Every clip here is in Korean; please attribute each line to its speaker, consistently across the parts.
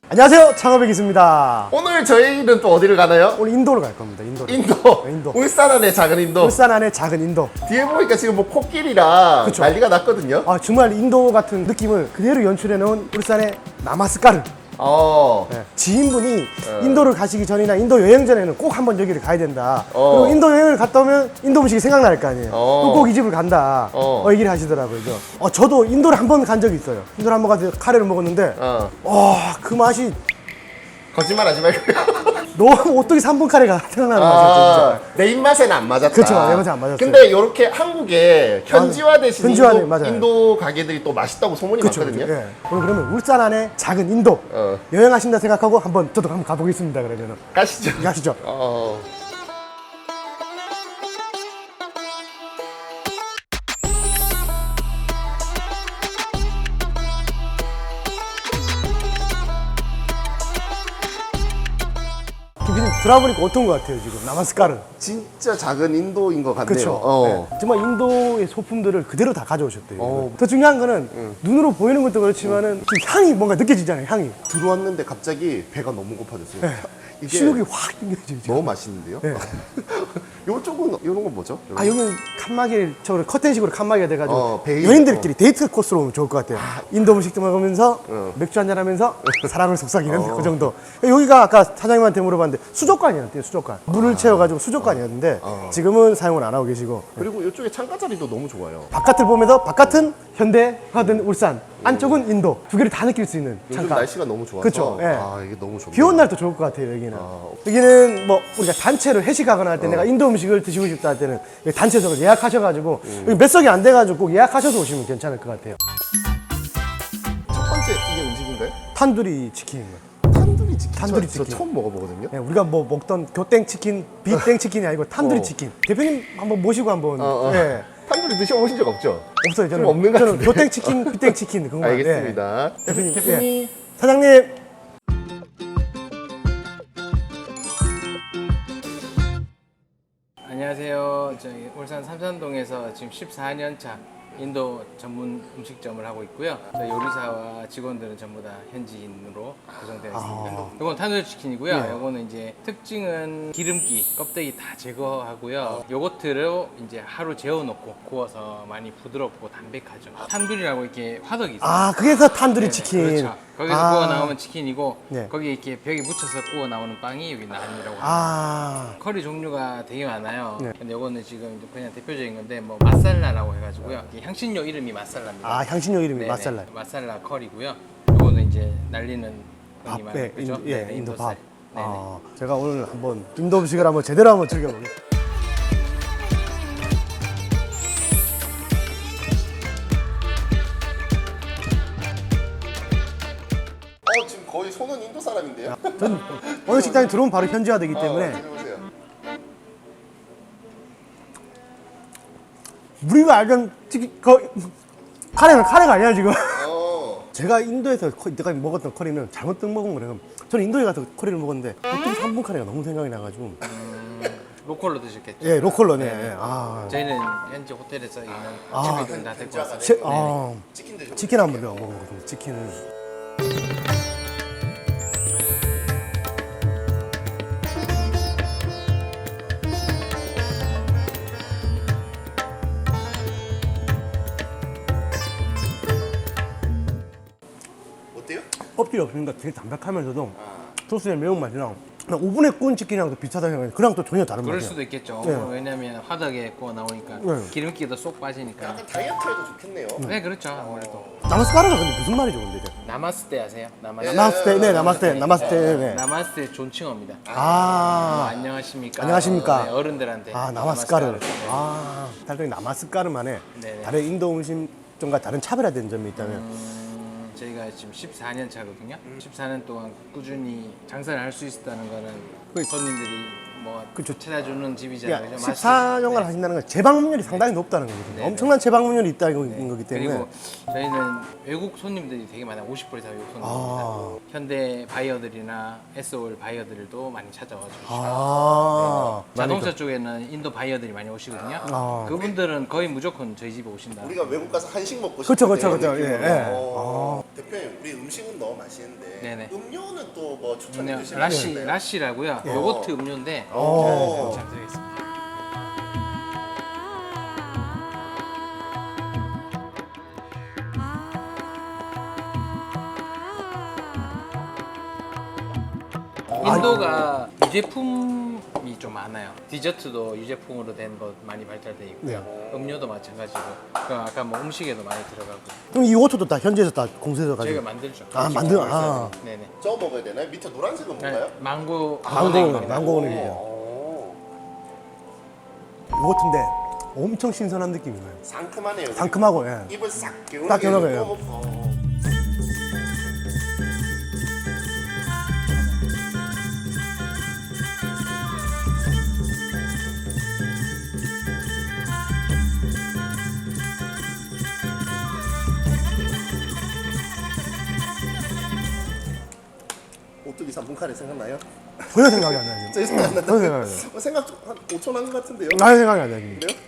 Speaker 1: 안녕하세요, 창업의 기수입니다.
Speaker 2: 오늘 저희는 또 어디를 가나요?
Speaker 1: 오늘 인도를 갈 겁니다. 인도를.
Speaker 2: 인도. 울산 안에 작은 인도.
Speaker 1: 울산 안에 작은 인도.
Speaker 2: 뒤에 보니까 지금 뭐 코끼리랑
Speaker 1: 그쵸.
Speaker 2: 난리가 났거든요.
Speaker 1: 아, 정말 인도 같은 느낌을 그대로 연출해 놓은 울산의 나마스카르. 네. 지인분이 인도를 가시기 전이나 인도 여행 전에는 꼭 한번 여기를 가야 된다. 그리고 인도 여행을 갔다 오면 인도 음식이 생각날 거 아니에요. 그럼 꼭 이 집을 간다. 얘기를 하시더라고요. 저도 인도를 한 번 간 적이 있어요. 인도를 한 번 가서 카레를 먹었는데 그 맛이
Speaker 2: 거짓말 하지 말고요.
Speaker 1: 너무 오뚜기 3분 카레가 생각나는 맛이었죠. 진짜.
Speaker 2: 내 입맛에는 안 맞았다.
Speaker 1: 그쵸, 내 입맛에 안 맞았어요.
Speaker 2: 근데 이렇게 한국에 현지화되신
Speaker 1: 현지화돼, 맞아요.
Speaker 2: 인도 가게들이 또 맛있다고 소문이 많거든요.
Speaker 1: 예. 오늘 그러면 울산 안에 작은 인도 여행하신다 생각하고 저도 한번 가보겠습니다. 그러면은
Speaker 2: 가시죠.
Speaker 1: 가시죠. 김PD님 들어보니까 어떤 것 같아요 지금 나마스카르.
Speaker 2: 진짜 작은 인도인 것 같네요.
Speaker 1: 그렇죠. 네. 정말 인도의 소품들을 그대로 다 가져오셨대요. 더 중요한 거는 눈으로 보이는 것도 그렇지만은 지금 향이 뭔가 느껴지잖아요. 향이.
Speaker 2: 들어왔는데 갑자기 배가 너무 고파졌어요.
Speaker 1: 네.
Speaker 2: 이게
Speaker 1: 식욕이 확 느껴져요. 지금.
Speaker 2: 너무 맛있는데요?
Speaker 1: 네.
Speaker 2: 요쪽은 이런 건 뭐죠?
Speaker 1: 아 여기는 칸막이처럼 커튼식으로 칸막이가 돼가지고
Speaker 2: 베일.
Speaker 1: 여인들끼리 데이트 코스로 오면 좋을 것 같아요. 인도 음식도 먹으면서 맥주 한잔 하면서 사랑을 속삭이는 그 정도. 여기가 아까 사장님한테 물어봤는데 수족관이었대요. 수족관. 물을 채워가지고 수족관이었는데 지금은 사용을 안 하고 계시고.
Speaker 2: 그리고 이쪽에 창가 자리도 너무 좋아요.
Speaker 1: 바깥을 보면서 바깥은 현대화된 울산, 안쪽은 인도. 두 개를 다 느낄 수 있는
Speaker 2: 요즘
Speaker 1: 창가.
Speaker 2: 날씨가 너무 좋아서
Speaker 1: 그쵸, 예.
Speaker 2: 이게 너무 좋네요.
Speaker 1: 비 온 날도 좋을 것 같아요, 여기는. 여기는 뭐 우리가 단체로 회식하거나 할 때 내가 인도 음식을 드시고 싶다 할 때는 여기 단체석을 예약하셔가지고 여기 몇 석이 안 돼가지고 꼭 예약하셔서 오시면 괜찮을 것 같아요.
Speaker 2: 첫 번째 이게 음식인가요?
Speaker 1: 탄두리 치킨인 거예요.
Speaker 2: 탄두리 치킨.
Speaker 1: 탄두리
Speaker 2: 저
Speaker 1: 치킨.
Speaker 2: 처음 먹어보거든요.
Speaker 1: 네, 우리가 뭐 먹던 교땡 치킨, 비땡 치킨이 아니고 탄두리 치킨. 대표님 한번 모시고 한번. 예.
Speaker 2: 탄두리 드셔보신 적 없죠?
Speaker 1: 없어요, 저는.
Speaker 2: 좀 없는 것
Speaker 1: 저는
Speaker 2: 같은데.
Speaker 1: 교땡 치킨, 비땡 치킨 그거만.
Speaker 2: 알겠습니다.
Speaker 1: 예. 대표님,
Speaker 2: 대표님.
Speaker 1: 예. 사장님.
Speaker 3: 안녕하세요. 저희 울산 삼산동에서 지금 14년 차 인도 전문 음식점을 하고 있고요. 저희 요리사와 직원들은 전부 다 현지인으로 구성되어 있습니다. 이건 탄두리 치킨이고요. 이거는 이제 특징은 기름기, 껍데기 다 제거하고요. 요거트로 이제 하루 재워놓고 구워서 많이 부드럽고 담백하죠. 탄두리라고 이렇게 화덕이 있어요.
Speaker 1: 아, 그래서 탄두리
Speaker 3: 네네,
Speaker 1: 치킨.
Speaker 3: 그렇죠. 거기서 구워 나오면 치킨이고
Speaker 1: 네.
Speaker 3: 거기에 이렇게 벽에 묻혀서 구워 나오는 빵이 여기 나한이라고 합니다.
Speaker 1: 아.
Speaker 3: 커리 종류가 되게 많아요.
Speaker 1: 네.
Speaker 3: 근데 이거는 지금 이제 그냥 대표적인 건데 뭐 마살라라고 해가지고요. 이게 향신료 이름이 마살라입니다.
Speaker 1: 아, 향신료 이름이
Speaker 3: 네네,
Speaker 1: 마살라.
Speaker 3: 마살라 커리고요. 이거는 이제 날리는 흔히
Speaker 1: 밥,
Speaker 3: 말하는 그죠?
Speaker 1: 예,
Speaker 3: 네네,
Speaker 1: 인도 밥.
Speaker 3: 인도살. 네네.
Speaker 1: 제가 오늘 한번 인도 음식을 한번 제대로 한번 즐겨보겠습니다.
Speaker 2: 지금 거의 손은 인도 사람인데요?
Speaker 1: 전 어느 식당에 들어오면 바로 현지화되기 때문에
Speaker 2: 드셔보세요.
Speaker 1: 우리가 알던 카레는 카레가 아니야 지금.
Speaker 2: 어.
Speaker 1: 제가 인도에서 내가 먹었던 커리는 잘못 먹은 거래요. 저는 인도에 가서 커리를 먹었는데 보통 3분 카레가 너무 생각이 나가지고
Speaker 3: 로컬로 드셨겠죠?
Speaker 1: 예 로컬러네. 예. 아,
Speaker 3: 저희는 현지 호텔에서 있는 집에서 다 데리고 왔어요.
Speaker 1: 치킨 한번 내가 먹어보거든요. 치킨을.
Speaker 2: 어때요?
Speaker 1: 껍질이 없으니까 되게 담백하면서도 소스의 매운맛이랑 그냥 오븐에 구운 치킨이랑 또 비슷하다 생각해. 그랑 또 전혀 다른
Speaker 3: 그럴
Speaker 1: 맛이야.
Speaker 3: 수도 있겠죠.
Speaker 1: 네.
Speaker 3: 왜냐면 화덕에 구워 나오니까
Speaker 1: 네.
Speaker 3: 기름기도 쏙 빠지니까.
Speaker 2: 약간 다이어트에도 좋겠네요.
Speaker 3: 네, 그렇죠. 아무래도.
Speaker 1: 나마스카르가 근데 무슨 말이죠, 근데 이제?
Speaker 3: 나마스테 아세요?
Speaker 1: 나마스테, 네, 나마스테, 네.
Speaker 3: 나마스테 존칭어입니다.
Speaker 1: 아,
Speaker 3: 안녕하십니까.
Speaker 1: 안녕하십니까.
Speaker 3: 네, 어른들한테.
Speaker 1: 나마스카르.
Speaker 3: 네.
Speaker 1: 달동이 나마스카르만의
Speaker 3: 네네.
Speaker 1: 다른 인도 음식점과 다른 차별화된 점이 있다면
Speaker 3: 저희가 지금 14년 차거든요. 14년 동안 꾸준히 장사를 할 수 있었다는 거는 손님들이 뭐
Speaker 1: 그쵸.
Speaker 3: 찾아주는 집이잖아요.
Speaker 1: 그러니까
Speaker 3: 그죠?
Speaker 1: 14년간 하신다는 건 재방문율이 상당히 높다는 거거든요.
Speaker 3: 네,
Speaker 1: 엄청난 재방문율이 있다는 거기 때문에.
Speaker 3: 그리고 저희는 외국 손님들이 되게 많아요. 50% 이상 외국 손님입니다.
Speaker 1: 아.
Speaker 3: 현대 바이어들이나 SOL 바이어들도 많이 찾아와주시고
Speaker 1: 아.
Speaker 3: 자동차 쪽에는 인도 바이어들이 많이 오시거든요.
Speaker 1: 아.
Speaker 3: 그분들은 거의 무조건 저희 집에 오신다.
Speaker 2: 우리가 외국 가서 한식 먹고
Speaker 1: 그쵸,
Speaker 2: 싶을
Speaker 1: 그쵸,
Speaker 2: 때
Speaker 1: 그쵸.
Speaker 2: 느낌으로.
Speaker 1: 예, 예.
Speaker 2: 대표님, 우리 음식은 너무 맛있는데
Speaker 3: 네네.
Speaker 2: 음료는 또 뭐 추천해
Speaker 3: 음료,
Speaker 2: 주시면
Speaker 3: 라시,
Speaker 2: 되는데요?
Speaker 3: 라시라고요.
Speaker 1: 예.
Speaker 3: 요거트 음료인데
Speaker 2: 오.
Speaker 3: 잘 드리겠습니다. 인도가 유제품이 좀 많아요. 디저트도 유제품으로 된 것 많이 발달돼 있고요. 음료도 마찬가지고. 그 아까 뭐 음식에도 많이 들어가고.
Speaker 1: 그럼 이 오토도 다 현지에서 다 공수해서
Speaker 3: 저희가
Speaker 1: 가지고.
Speaker 3: 만들죠.
Speaker 1: 아, 아.
Speaker 3: 네네.
Speaker 2: 저 먹어야 되나요? 밑에 노란색은 뭔가요?
Speaker 3: 네, 망고.
Speaker 1: 망고는 이죠.
Speaker 2: 오.
Speaker 1: 요거트인데 엄청 신선한 느낌이에요.
Speaker 2: 상큼하네요.
Speaker 1: 상큼하고, 예.
Speaker 2: 입을 싹 개운하게.
Speaker 1: 딱 개운하게요.
Speaker 2: 오뚜기 3분 카레 생각나요?
Speaker 1: 전혀 생각이 안 나요.
Speaker 2: 저 생각 안 난다.
Speaker 1: 전혀 생각이 안 나요.
Speaker 2: 생각 좀한 5초 난 것 같은데요?
Speaker 1: 아예 생각이 안 나요. 지금.
Speaker 2: 그래요?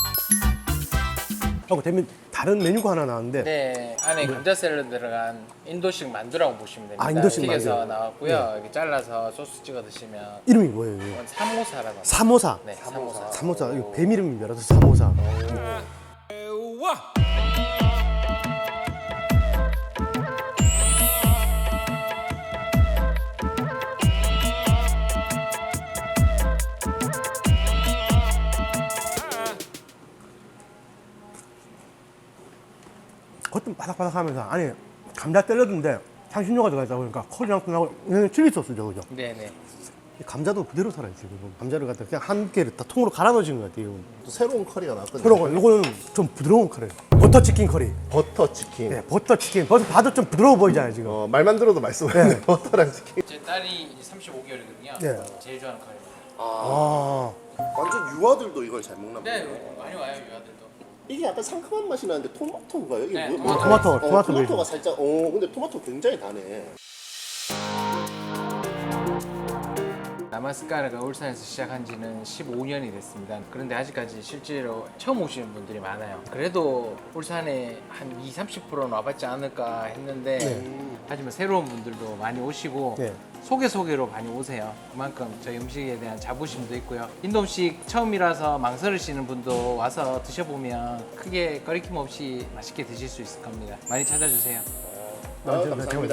Speaker 1: 하고 대면 다른 메뉴가 하나 나왔는데
Speaker 3: 네, 안에 감자 샐러드 들어간 인도식 만두라고 보시면 됩니다.
Speaker 1: 아, 인도식
Speaker 3: 튀겨서
Speaker 1: 만두.
Speaker 3: 나왔고요. 이렇게 잘라서 소스 찍어 드시면
Speaker 1: 이름이 뭐예요? 이거?
Speaker 3: 이건 사모사라고 합니다.
Speaker 1: 사모사.
Speaker 3: 네, 사모사.
Speaker 1: 사모사. 이거 뱀 이름인 줄 알아서 사모사. 겉은 바삭바삭하면서 안에 감자 샐러드인데 향신료가 들어가 있다 보니까 커리랑 끝나고 얘는 칠리 소스죠, 그죠?
Speaker 3: 네네.
Speaker 1: 이 감자도 그대로 살아있어요. 지금. 감자를 갖다 그냥 한 개를 다 통으로 갈아 넣으신 것 같아요.
Speaker 2: 또 새로운 커리가 나왔거든요.
Speaker 1: 그런 거, 이거는 좀 부드러운 카레. 버터 치킨 커리.
Speaker 2: 버터 치킨.
Speaker 1: 네, 버터 치킨. 버터 봐도 좀 부드러워 보이잖아요, 지금.
Speaker 2: 말만 들어도 맛있어 보이네.
Speaker 1: 네.
Speaker 2: 버터랑 치킨.
Speaker 3: 제 딸이 35개월이거든요.
Speaker 1: 네.
Speaker 3: 제일 좋아하는 카레입니다.
Speaker 1: 아,
Speaker 2: 완전 유아들도 이걸 잘 먹나
Speaker 3: 네,
Speaker 2: 보네요.
Speaker 3: 많이 와요, 유아들도.
Speaker 2: 이게 약간 상큼한 맛이 나는데 토마토인가요? 이게
Speaker 3: 네,
Speaker 2: 뭐예요?
Speaker 1: 토마토
Speaker 2: 토마토가
Speaker 1: 베이스.
Speaker 2: 살짝 근데 토마토 굉장히 다네.
Speaker 3: 나마스카르가 울산에서 시작한 지는 15년이 됐습니다. 그런데 아직까지 실제로 처음 오시는 분들이 많아요. 그래도 울산에 한 20-30%는 와봤지 않을까 했는데 하지만 새로운 분들도 많이 오시고
Speaker 1: 네.
Speaker 3: 소개로 많이 오세요. 그만큼 저희 음식에 대한 자부심도 있고요. 인도 음식 처음이라서 망설이시는 분도 와서 드셔보면 크게 거리낌 없이 맛있게 드실 수 있을 겁니다. 많이 찾아주세요.
Speaker 2: 감사합니다.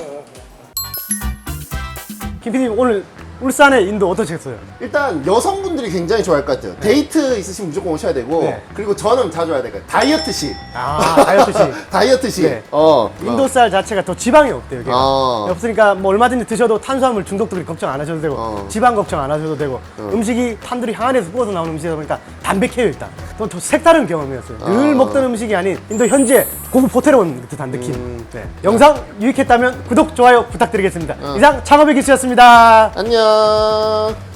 Speaker 1: 김 PD님 오늘 울산의 인도 어떠셨어요?
Speaker 2: 일단 여성분들이 굉장히 좋아할 것 같아요. 데이트 있으시면 무조건 오셔야 되고
Speaker 1: 네.
Speaker 2: 그리고 저는 자주 와야 될것 같아요. 다이어트식.
Speaker 1: 아, 다이어트식.
Speaker 2: 다이어트식.
Speaker 1: 네. 인도쌀 자체가 더 지방이 없대요. 여기가. 없으니까 뭐 얼마든지 드셔도 탄수화물 중독들이 걱정 안 하셔도 되고 지방 걱정 안 하셔도 되고 음식이 탄두리 항안에서 구워서 나오는 음식이다 보니까 담백해요 일단. 또 색다른 경험이었어요. 늘 먹던 음식이 아닌 인도 현지의 고급 호텔에 온 듯한 느낌. 네. 영상 유익했다면 구독, 좋아요 부탁드리겠습니다. 이상 창업의 기수였습니다.
Speaker 2: 안녕.